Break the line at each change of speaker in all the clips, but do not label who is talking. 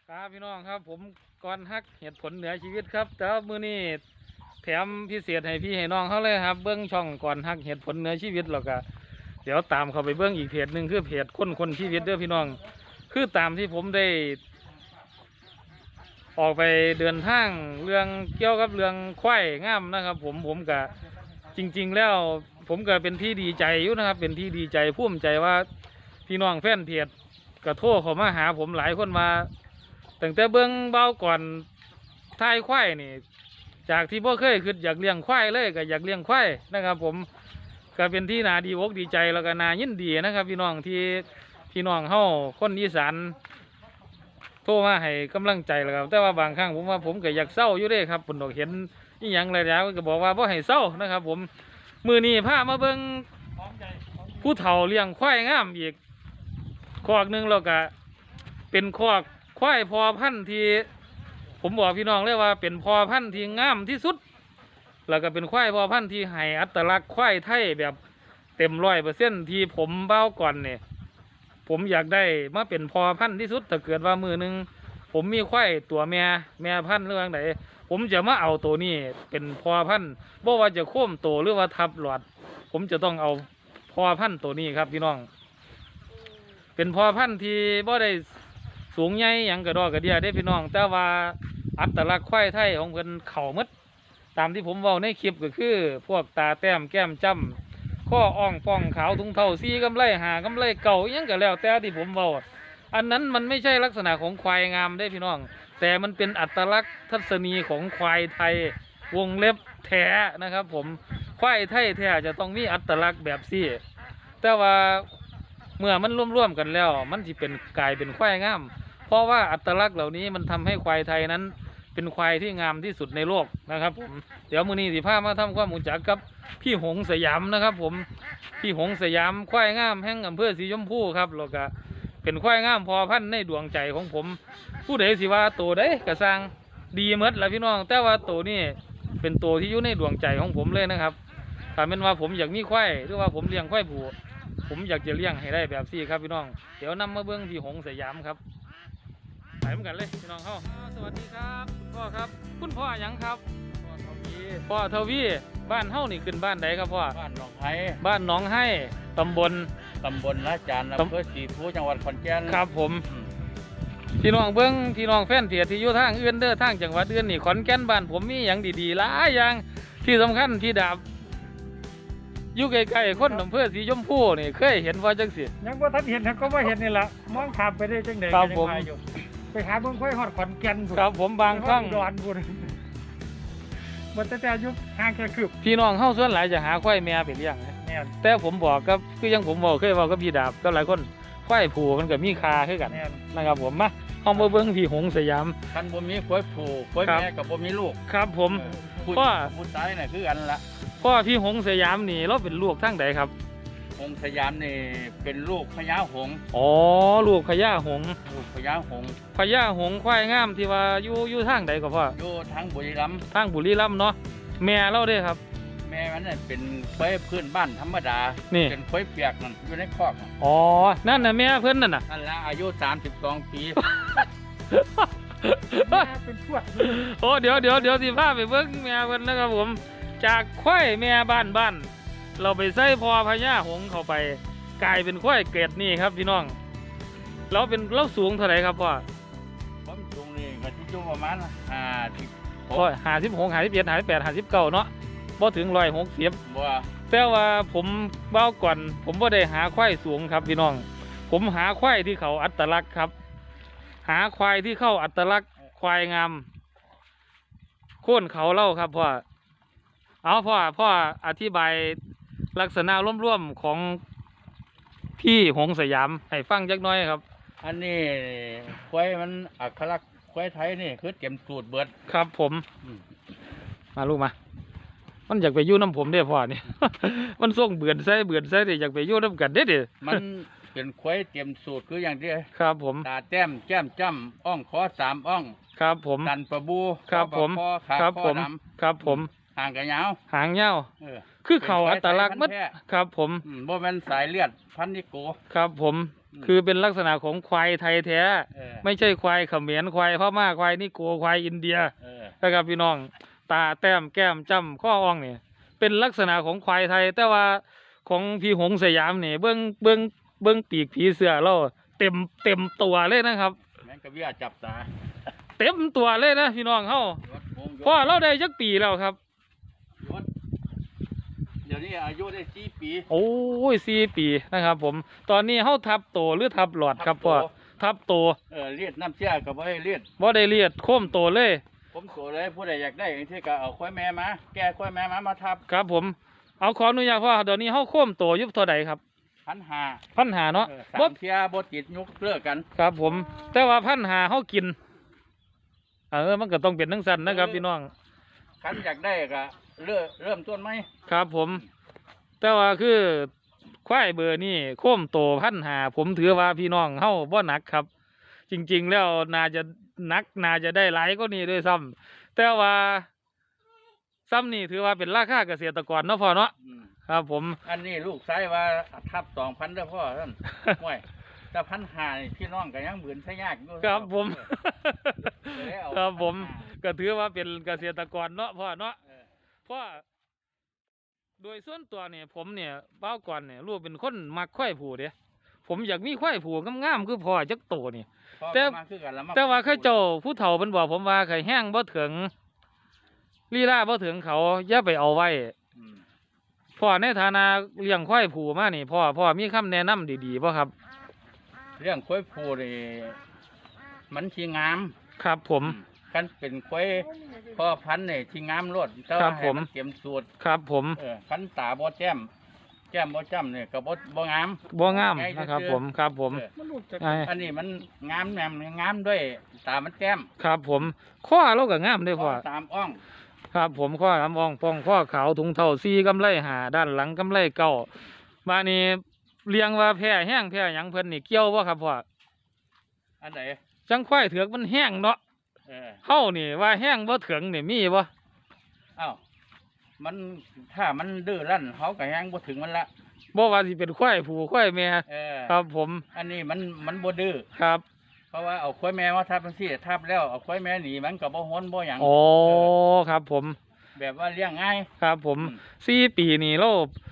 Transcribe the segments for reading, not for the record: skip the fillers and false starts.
ครับพี่น้องครับผมก่อนฮักเหตุผลเหนือชีวิตครับแต่ว่ามื้อนี้แถมพิเศษให้พี่ให้น้องเขาเลยครับเบื้องช่องก่อนฮักเหตุผลเหนือชีวิตแล้วก็เดี๋ยวตามเขาไปเบื้องอีกเพจหนึ่งคือเพจคนชีวิตเด้อพี่น้องคือตามที่ผมได้ออกไปเดินทางเรื่องเกี่ยวกับเรื่องควายงามนะครับผมก็จริงๆแล้วผมก็เป็นที่ดีใจอยู่นะครับเป็นที่ดีใจภูมิใจว่าพี่น้องแฟนเพจก็โทรเข้ามาหาผมหลายคนมาตั้งแต่เบื้องเบาก่อนท้ายควายนี่จากที่พ่อเคยคืออยากเลี้ยงควายเลยก็อยากเลี้ยงควายนะครับผมก็เป็นที่น่าดีอกดีใจแล้วก็น่ายินดีนะครับพี่น้องที่พี่น้องเฮาคนอีสานโทรมาให้กำลังใจแล้วครับแต่ว่าบางครั้งผมว่าผมก็อยากเศร้าอยู่เด้ครับผมเห็นนี่ยังอะไรแล้วก็บอกว่าบ่ให้เศร้านะครับผมมือนี้พามาเบิ่งผู้เฒ่าเลี้ยงควายงามอีกคอกหนึ่งแล้วก็เป็นคอกควายพอพันธุ์ที่ผมบอกพี่น้องเลยว่าเป็นพอพันธุ์ที่งามที่สุดแล้วก็เป็นควายพอพันธุ์ที่ให้อัตลักษณ์ควายไทยแบบเต็ม100%ที่ผมเบ้าก่อนเนี่ยผมอยากได้มาเป็นพอพันธุ์ที่สุดถ้าเกิดว่ามือหนึ่งผมมีควายตัวแม่พันธุ์เรื่องไหนผมจะมาเอาตัวนี้เป็นพอพันธุ์บ่ว่าจะโค้มโตหรือว่าทับหลอดผมจะต้องเอาพอพันธุ์ตัวนี้ครับพี่น้องเป็นพอพันธุ์ที่บ่ได้สูงใหญ่อย่างกระดอกกระเดียได้พี่น้องแต่ว่าอัตลักษณ์ควายไทยของเพิ่นเข่ามัดตามที่ผมเว้าในคลิปก็คือพวกตาแต้มแก้มจ้ำข้ออ่องป้องขาวถุงเท้าซีกำไลหากำไลเก่ายังก็แล้วแต่ที่ผมเว้าอันนั้นมันไม่ใช่ลักษณะของควายงามได้พี่น้องแต่มันเป็นอัตลักษณ์ทัศนีของควายไทยวงเล็บแท้นะครับผมควายไทยแท้จะต้องมีอัตลักษณ์แบบซี่แต่ว่าเมื่อมันร่วมกันแล้วมันจะเป็นกลายเป็นควายงามเพราะว่าอัตลักษณ์เหล่านี้มันทำให้ควายไทยนั้นเป็นควายที่งามที่สุดในโลกนะครับผมเดี๋ยวมื้อนี้สิพามาทำความรู้จักกับพี่หงสยามนะครับผมพี่หงสยามควายงามแห่งอำเภอสีชมพูครับแล้วก็เป็นควายงามพอพันธุ์ในดวงใจของผมผู้ใดสิว่าตัวใดกระซังดีหมดละพี่น้องแต่ว่าตัวนี้เป็นตัวที่อยู่ในดวงใจของผมเลยนะครับถ้าเป็นว่าผมอยากมีควายหรือว่าผมเลี้ยงควายผูผมอยากจะเลี้ยงให้ได้แบบซี่ครับพี่น้องเดี๋ยวนำมาเบื้องพี่หงสยามครับไปเหมือนกันเลยพี่น้องเขาสวัสดีครับคุณพ่อครับคุณพ่อหยังครับพ่อทวีบ้านเฮ้านี่ขึ้นบ้านใดครับพ่อ
บ้านหนองไห้
บ้านหนองไห้ตำบล
ละจานอำเภอศรีภูจังหวัดขอนแก่น
ครับผมพี่น้องเบิ้งพี่น้องแฟนเถียที่อยู่ทางอื่นเด้อทางจังหวัดอื่นนี่ขอนแก่นบ้านผมมีอย่างดีๆหลายอย่างที่สำคัญที่ดาบอยู่ใกล้ๆคนอำเภอสีชมพูนี่เคยเห็นว่าจังสิ
ยังว่าท่านเห็นก็ว่าเห็นนี่แหละมองข้ามไปได้จังเด็ก
ครับผม
ไปหาเบิ่งค่อยหอดขอนแก่น
ครับผมบางครั้ง
ดอนบุญมันแต่ยุคห่างแค่คืบ
พี่น้องเฮาส่วนหลายจะหาควายแม่ไปเลี้ยงแต่ผมบอกกับคือยังผมบอกเคยบอกกับพี่ดาบก็หลายคนควายผูมันก็มีค่าคือกันนะครับผมมาเฮามาเบิ่งพี่หงสยาม
คันบ่มีควายผูควายแม่กับบ่มีลูก
ครับผม
พ่อผู้ตายน่ะคืออันละ
พ่อพี่หงสยามนี่เราเป็นลูกทั้งใดครับ
หงสยามนี่เป็นลูกพญาหง
อ๋อลูกพญาหง
ลูกพญาหง
พญาหงควายงามที่ว่าอยู่ทางใดก็พ่อ
อยู่ทางบุรีรัมย์
ทางบุรีรัมย์เนาะแม่เราเด้ครับ
แม่มันเป็นควายพื้นบ้านธรรมดาเป็นควายเปียกนั่นอยู่ในคอก
อ๋อนั่นน่ะแม่เพิ่นนั่นน่ะ
นั่นละอายุ32 ปี
เป็นพวก
โอ้เดี๋ยวสิพาไปเบิ่งแม่เพิ่นนะครับผมจากควายแม่บ้านเราไปใส่พอพญาหงเข้าไปกลายเป็นควายเกรดนี่ครับพี่น้องเราสูงเท่าไหร่ครับพ่อ
ผมสูงนี่ก็ที่อยู่ประมาณ
56 57 58 59เนาะบ่ถึง160
บ่
แต่ว่าผมเบ้าก่อนผมบ่ได้หาควายสูงครับพี่น้องผมหาควายที่เขาอัตลักษณ์ครับหาควายที่เข้าอัตลักษณ์ควายงามโค่นเขาเล่าครับพ่อเอาพ่ออธิบายลักษณะร่วมๆของพี่หงสยามให้ฟังจักน้อยครับ
อันนี้ควายมันอักขระควายไทยนี่คือเต็มสูตรเบิด
ครับผมมาลูกมามันอยากไปยู่น้ำผมได้พ่อนี่ มันส่งเบื่อใส่เดี๋ยวอยากไปยู่น้ำกันได้เดี๋ยว
มันเป็นควายเต็มสูตรคืออย่างเดียว
ครับผม
ตาแต้มแก้มจ้ำอ่องคอ3 อ่อง
ครับผม
ตันประบู
ครับผม
ครับผม
ครับผม
หางกระยาว
หางเงาคือเขาอัตลักษณ์มัดครับผม
บ่เป็นสายเลือดพันนิโก
ครับผมคือเป็นลักษณะของควายไทยแท้
เออ
ไม่ใช่ควายเขมรควายพม่าควายนี่โกควายอินเดีย
เออ
นะครับพี่น้องตาแต้มแก้มจ้ำข้ออ่องนี่เป็นลักษณะของควายไทย แต่ว่าของพี่หงสยามนี่เบิ้งปีกผีเสือเราเต็มตัวเลยนะครับ
แม่งกระเบี้ยจับตา
เต็มตัวเลยนะพี่น้องเฮาย
ศวงยศ
พ่อเราได้จักปีแล้วครับ
ยศเดี๋ยวนี้อายุได้4 ปี
โอ้ย4 ปีนะครับ ผมตอนนี้เฮาทับโตหรือทับหลอดครับพ่อทับโต
เลียดน้ำเชี่ยกับว่าให้เลียด
บ่ได้เลียดโค้มโตเลย
ผมโตเลยผู้ใดอยากได้อย่างที่ก็เอาควายแม่มาแก้ควายแม่มาทับ
ครับผมเอาขออนุญาตพ่อเดี๋ยวนี้เฮาโค้มโตอยุบเท่าใดครับ
1,500
พันหาเนาะ
สา
บ่
มเที่ยบ่ติดยุกเลิกกัน
ครับผม แต่ว่าพันหาเฮากินมันก็ต้องเป็นทั้งสั้นนะครับพี่น้อง
คันอยากได้ก็เริ่มต้นไหม
ครับผม แต่ว่าคือควายเบอร์นี่โค้มโตพันหาผมถือว่าพี่น้องเฮาบ่หนักครับ จริงๆแล้วน่าจะหนักน่าจะได้หลายก็นี่ด้วยซ้ำแต่ว่าซ้ำนี่ถือว่าเป็นราคาเกษตรกรเนาะพ่อเนาะ
อืม
ครับผม
อันนี้ลูกไส้ว่าทับ2,000เด้อพ่อท่าน ห่วยแต่1,500นี่พี่น้องก็ยังบืนใช้ยากอยู่
ครับผม
เลยเอา
ครับผม
1,500
ก็ถือว่าเป็นเกษตรกรเนาะพ่อเนาะ
เออ
เพราะโดยส่วนตัวเนี่ยผมเนี่ยเบ้าก่อนเนี่ยรู้เป็นคนมักควายผูเด้ผมอยากมีควายผูงามๆคือพ่อจักโตนี่
พ่อ
แต่
ก็มาคือกันละมา
แต่ว่าเข้าเจ้าผู้เฒ่าเพิ่นบอกผมว่าไข่แห้งบ่ถึงลีลาบ่ถึงเขาอย่าไปเอาไว้
อืม
พ่อในฐานะเลี้ยงควายผูมานี่พ่อมีคำแนะนำดีๆบ่ครับ
เรื่องควายผูนี่มันสิงาม
ครับผม
กันเป็นควายพ่อพันธุ์นี่สิงามรดแต่
ครั
ว่า
บ
ให้
ผม
มันเต็มสูตร
ครับผม
คันตาบ่แจ่มบ่จ้ำนี่ก็บ่งาม
บ่งาม
ไง
นะครับ
ซื่อ
ผมครับผม
เออ
มันลูกจาก
ไอ้
อันนี้มันงามแหนมงามด้วยตามันแจ่ม
ครับผมข้อเราก็งามเด้อพ่อ
ตามอ่อง
ครับผมข้อลำอ่องป้องข้อขาวถุงเท่าซีกำไลหาด้านหลังกำไลเก้ามานี่เลี้ยงว่าแพ้แห้งแพ้หยังเพิ่นนี่เกี่ยวบ่ครับพ่อ
อันไหน
จังควายเถือกมันแห้งเนาะ
เออ
เฮานี่ว่าแห้งบ่ถึงนี่มีบ่
เอ้ามันถ้ามันดื้อรั้นเขาก็ยังบ่ถึงมันละ
บ่ว่าสิเป็นควายผู้ควายแม่
เออ
ครับผม
อันนี้มันบ่ดื้อ
ครับ
เพราะว่าเอาควายแม่มาทับจังซี่ทับแล้วเอาควายแม่หนีมันก็บ่ฮ้นบ่หยัง
อ๋อครับผม
แบบว่าเลี้ยงง่าย
ครับผม
อืม
4 ปีนี่เรา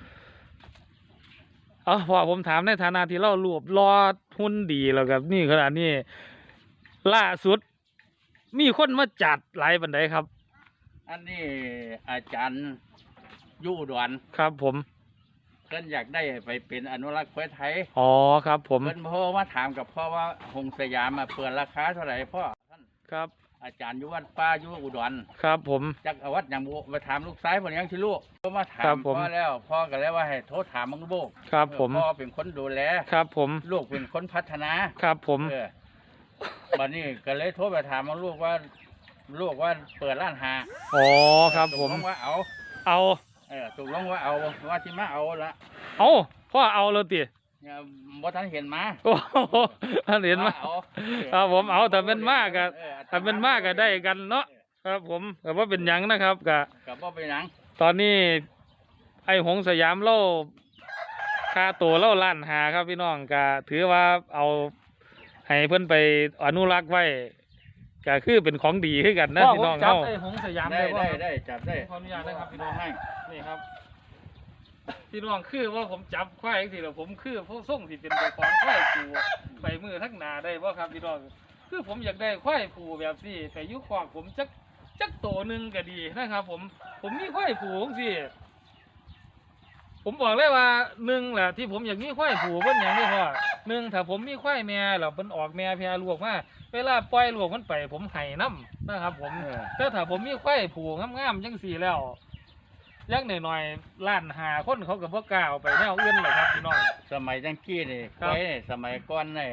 พ่อผมถามในฐานะที่เรารวบรอหุ่นดีแล้วกับนี่ขนาดนี้ล่าสุด มีคนมาจัดหลายปานใดครับ
อันนี้อาจารย์อยู่อุดร
ครับผม
เพิ่นอยากได้ไปเป็นอนุรักษ์ควายไทย
อ๋อครับผม
เพิ่นโทรมาถามกับพ่อว่าหงสยามเปิดราคาเท่าไหร่พ่อท่าน
ครับ
อาจารย์อยู่วัดป่าอยู่อุดร
ครับผม
จักเอาวัดอย่างบุไปถามลูกชายเพิ่นยังสิลูกก็มาถา
ครั
ม
บผม
พ่อแล้วพ่อก็เลยว่าให้โทรถามมึงลูก
ครับผม
พ่อเป็นคนดูแล
ครับผม
ลูกเป็นคนพัฒนา
ครับผม
บัดนี้ก็เลยโทรไปถามมึงลูกว่าเปิดร้านหา
อ๋อครับผม
ตกลงว่าเอา
เอา
ตกลงว่าเอาว่าที่มาเอาละ
เอาพ่อเอาเลยติ
เนี่ยบ่ทันเห็นมา
โอ้โหท่านเห็นไหม
ว่าเอา
ครับผมเอาแต่เป็นมากก็
เออ
ถ้าเป็นมากก็ได้กันเนาะครับผมแต่ว่าเป็นหยังนะครับกะ
ก็บ่เป็นหยัง
ตอนนี้ ไอ้หงสยามเล่าค่าตัวเล่าล้านหาครับพี่น้องก็ถือว่าเอาให้เพิ่นไปอนุรักษ์ไว้ก็คือเป็นของดีขึ้นกันนะพี่น้อง
จับ
เฮา
ไอ้หงสยาม
ได้
ได้บ่
ได้จับได้
ขออนุญาตนะครับพี่น้อง
ให้
นี่ครับ พี่น้องคือว่าผมจับควายสิแล้วผมคือผู้ส่งที่เป็นเจ้าของควายผูไปมือทั้งหนาได้บ่ครับพี่น้องคือผมอยากได้ควายผูแบบนี้ไปอยุคอกผมจักโตหนึงก็ดีนะครับ ผมมีควายผูจังซี่ผมบอกเลยว่าหนึ่งแหละที่ผมอยากมีควายผูเพิ่นอย่างนี้พ่อหนึ่งถ้าผมมีควายแม่แล้วเพิ่นออกแม่แพรลูกมาเวลาปล่อยลูกมันไป ผมให้น้ำนะครับ ผม แต่ถ้าผมมีควายผูงามๆจังสี่แล้วยักหน่อยๆล้านหาคนเขากับพวกกล้าเอาไปแนวอื่นเลยครับพี่น้อง
สมัยจังกี้นี่
ครั
ไว้
บ
สมัยก่อนนี่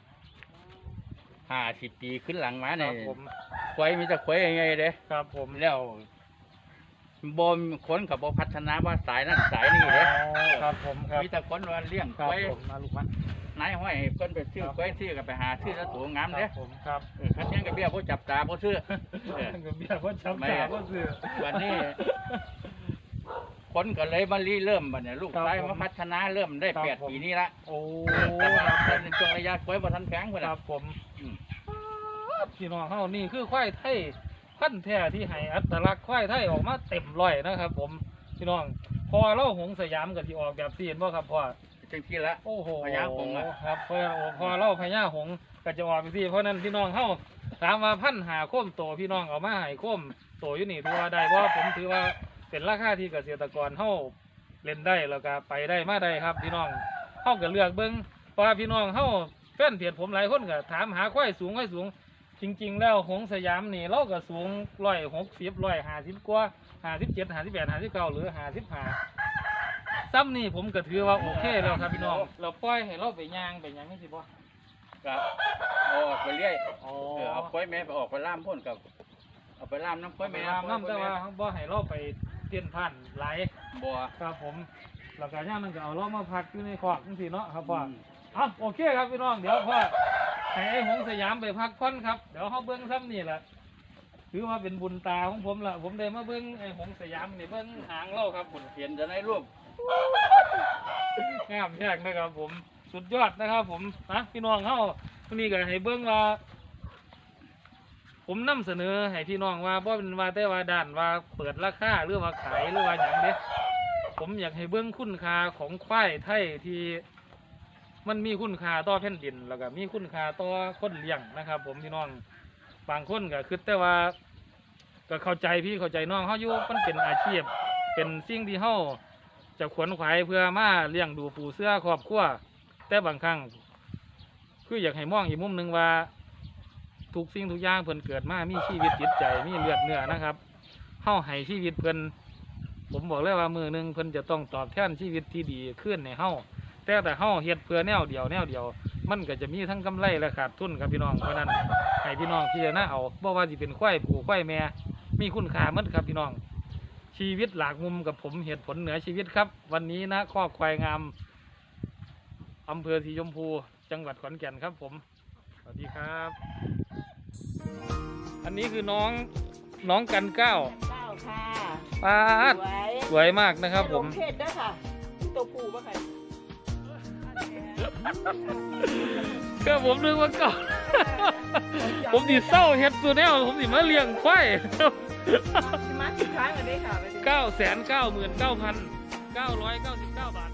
50 ปีขึ้นหลังมา
ค
นี่
รับผม
ควายมีแต่ควายใหญ่ๆเด้
ครับผม
แล้วบ่มีคนก็บ่พัฒนาว่าสายนั้นสายนี้เด้
ครับผมครับ
มีแต่คนว่าเลี้ยง
ครั
ค
บ
วาย
ผมมาลูกมาน
ายห้อยให้เพิ่นไปซื้อ
ครับ
ควายซื้อก็ไปหาซื้อแล้วตัวงาม
ค
เด้
รับผมครับ
คันยังก็เบี้ยบ่จับตาบ่ซื้อ
ก็เบียร์ว่าช้ำตาว่าซื้อ
วันนี้คนก็เลยมาเริ่มบัดเนี่ยลูก
ครับ
ชาย
ผม
มาพัฒนาเริ่มได้
ครับ
8
ผม
ปีนี้ละ
โอ้
แต่ว่าในช่วงระยะควายบ่ทันแข็งพุ่น
ค
น่ะ
รับผม
อืม
พี่น้องเฮานี่คือควายไทยพันธุ์แท้ที่ให้อัตลักษณ์ควายไทยออกมาเต็มร้อยนะครับ ผมพี่น้องพอเราหงสยามก็สิออกแบบซีนบ่ครับพ่อ
จังซี่ละ
โอ้โห
พญาหงส์อะ
ครับพอเราพญาหงส์ก็จะออกแบบซีเพราะนั้นพี่น้องเฮาถามว่าพันหาโค้มโตพี่น้องเอามาให้โค้มโตอยู่นี่ถือว่าได้บ่ผมถือว่าเป็นราคาที่เกษตรกรเฮาเล่นได้แล้วก็ไปได้มาได้ครับพี่น้องเฮาก็เลือกเบิ่งเพราะว่าพี่น้องเฮาแฟนเพจผมหลายคนก็ถามหาควายสูงจริงๆแล้วหงสยามนี่เราก็สูง160 150กว่า57 58 59หรือ55ซ้ำนี่ผมก็ถือว่าโอเคแล้วครับพี่น้องเราปล่อยให้เราไปย่างไปหยังนี่สิบ่
ก็เอาออกไปเรื่อย
อ๋อ
เอาควายแม่ไปออกไปล่ามพ่นกับเอาไปล่ามน้ำควายแม่
น้ำแต่ว่าบ่ให้เราไปเตียนผ่านไหลาย
บัว
ครับผมแล้วก็ย่างมันก็เอาเรามาพักอยู่ในคอกจังซี่เนาะครับพ่อ
อืม
อ่ะโอเคครับพี่น้องเดี๋ยวพ่อให้ไอ้หงสยามไปพักผ่อนครับเดี๋ยวเขาเบิ้งซ้ำนี่แหละถือว่าเป็นบุญตาของผมละผมได้มาเบิ้งไอ้หงสยามนี่เบิ้งหางเล่าครับบุญ
เห็นจะในรูป
งามแยกนะครับผมสุดยอดนะครับผมนะพี่น้องเขาวันนี้ก็ให้เบิ้งว่า ผมนำเสนอให้พี่น้องว่าบ่เป็นว่าแต่ว่าด้านว่าเปิดราคาหรือว่าขายหรือว่าอย่างเด้ผมอยากให้เบิ้งคุณค่าของควายไทยที่ มันมีคุณค่าต่อแผ่นดินแล้วก็มีคุณค่าต่อคนเลี้ยงนะครับ ผมพี่น้องบางคนก็คือแต่ว่าก็เข้าใจพี่เข้าใจน้องเขาอยู่มันเป็นอาชีพเป็นสิ่งที่เขาจะขวนขวายเพื่อมาเลี้ยงดูปูเสื้อครอบครัวแต่บางครั้งคืออยากให้มองอีกมุมหนึ่งว่าทุกสิ่งทุกอย่างเพิ่นเกิดมามีชีวิตจิตใจมีเลือดเนื้อนะครับเฮาให้ชีวิตเพิ่นผมบอกเลยว่ามือหนึงเพิ่นจะต้องตอบแทนชีวิตที่ดีขึ้นในเฮาแต่เฮาเฮ็ดเพื่อแนวเดียวมันก็จะมีทั้งกำไรและขาดทุนครับพี่น้องเพราะนั้นให้พี่น้องพิจารณาเอาบ่ว่าสิเป็นควายผูควายแม่มีคุณค่าหมดครับพี่น้องชีวิตหลากมุมกับผมเหตุผลเหนือชีวิตครับ วันนี้นะข้อควายงามอำเภอสีชมพูจังหวัดขอนแก่นครับผมสวัสดีครับ อันนี้คือน้องกันเก้า
เก้าค่ะ
ปาด
สวย
สวยมากนะครับผม
เพศด้วยค่ะตัวผู้ป่ะคะ
ก็ผมนึกว่าเก่า ผมดิเศร้าเฮ็ดตัวแนวผมดิมาเลี้ยงควาย
มาสิบครั้งกันได้ค่ะ
999,999 บาท